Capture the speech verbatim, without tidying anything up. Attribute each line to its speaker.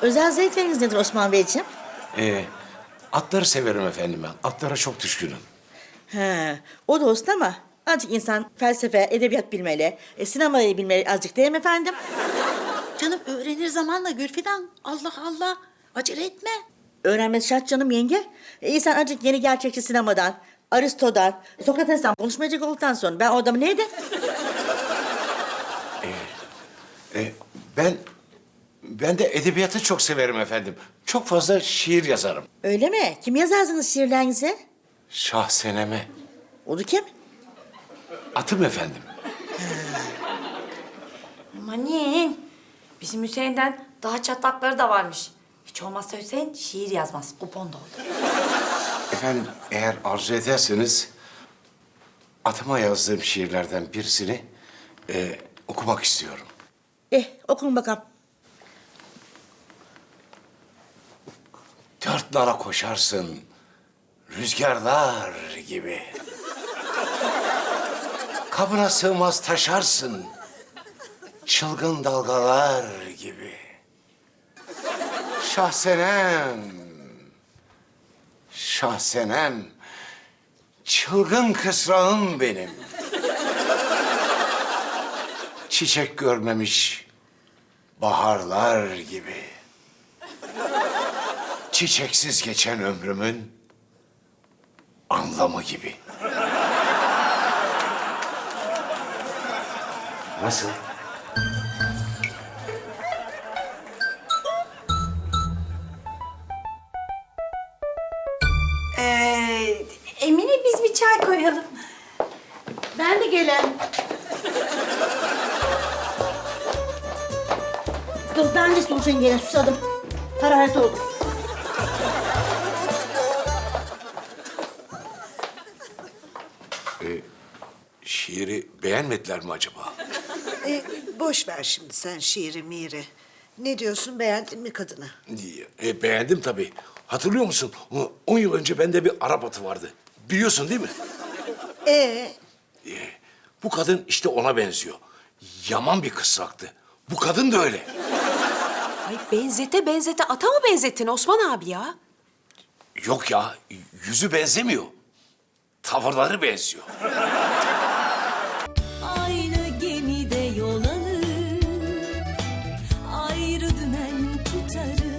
Speaker 1: Özel zevkleriniz nedir Osman Beyciğim?
Speaker 2: Ee, atları severim efendim ben. Atlara çok düşkünüm.
Speaker 1: He, o da olsun ama azıcık insan felsefe, edebiyat bilmeli, e, sinemayı bilmeli azıcık değil mi efendim?
Speaker 3: Canım öğrenir zamanla Gülfidan. Allah Allah. Acele etme.
Speaker 1: Öğrenmesi şart canım yenge. E, insan azıcık yeni gerçekçi sinemadan, Aristo'dan, Sokrates'ten konuşmayacak olduktan sonra ben o adamı neydi?
Speaker 2: Ee, ben ben de edebiyatı çok severim efendim. Çok fazla şiir yazarım.
Speaker 1: Öyle mi? Kim yazarsınız şiirlerinizi?
Speaker 2: Şahseneme.
Speaker 1: O da kim?
Speaker 2: Atım efendim.
Speaker 4: Manin. Bizim Hüseyin'den daha çatlakları da varmış. Hiç olmazsa Hüseyin şiir yazmaz. Kupon da olur.
Speaker 2: Efendim eğer arzu ederseniz atıma yazdığım şiirlerden birisini e, okumak istiyorum.
Speaker 1: Eh, okun bakalım.
Speaker 2: Dört nala koşarsın rüzgarlar gibi. Kabına sığmaz taşarsın çılgın dalgalar gibi. Şahsenem, şahsenem, çılgın kısrağım benim. Çiçek görmemiş baharlar gibi. Çiçeksiz geçen ömrümün anlamı gibi. Nasıl?
Speaker 4: Ee, Emine biz bir çay koyalım.
Speaker 1: Ben de gelen. Dur ben de soracağım gene susadım. Hararet oldu.
Speaker 2: Şiiri beğenmediler mi acaba?
Speaker 5: E, boş ver şimdi sen şiiri miri. Ne diyorsun, beğendin mi kadını?
Speaker 2: E, beğendim tabii. Hatırlıyor musun? O- On yıl önce bende bir Arap atı vardı. Biliyorsun değil mi?
Speaker 5: Ee,
Speaker 2: E, bu kadın işte ona benziyor. Yaman bir kısraktı. Bu kadın da öyle.
Speaker 6: Ay benzete benzete ata mı benzettin Osman abi ya?
Speaker 2: Yok ya, yüzü benzemiyor. Tavırları benziyor.
Speaker 7: Aynı gemide yol alır, ayrı dümen tutarız.